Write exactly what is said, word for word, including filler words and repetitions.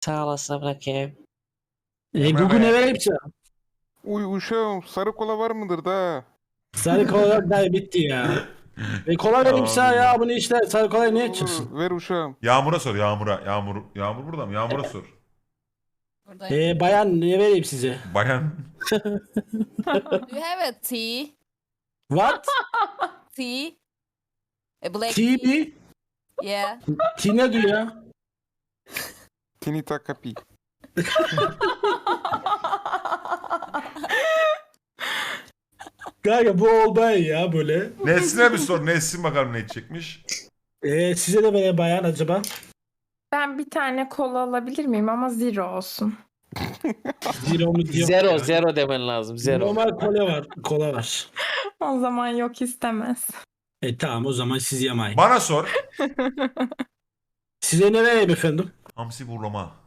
Sağ olasın bırakayım. E, Emre Google Bey. ne vereyim sana? Uy uşağım sarı kola var mıdır da? Sarı kola da bitti ya. E, kola vereyim sana ya. Bunu işte sarı kolayı ne içiyorsun? Ver uşağım. Yağmur'a sor Yağmur'a. Yağmur Yağmur burada mı? Yağmur'a sor. Buradayım. E, bayan ne vereyim size? Bayan. Do you have a tea? What? Tea? A black Tea tea? mi? Yeah. Tea ne diyor ya? Tinita kapi. Kanka bu olay ya böyle. Nesrin'e bir sor. Nesrin bakalım ne içecekmiş. E, size de böyle bayan acaba? Ben bir tane kola alabilir miyim ama zero olsun. Zero mu diyor? Zero, zero demen lazım. Zero. Normal kola var. Kola var. O zaman yok istemez. E tamam o zaman siz yamayın. Bana sor. Size ne vereyim efendim? Hamsi burlama.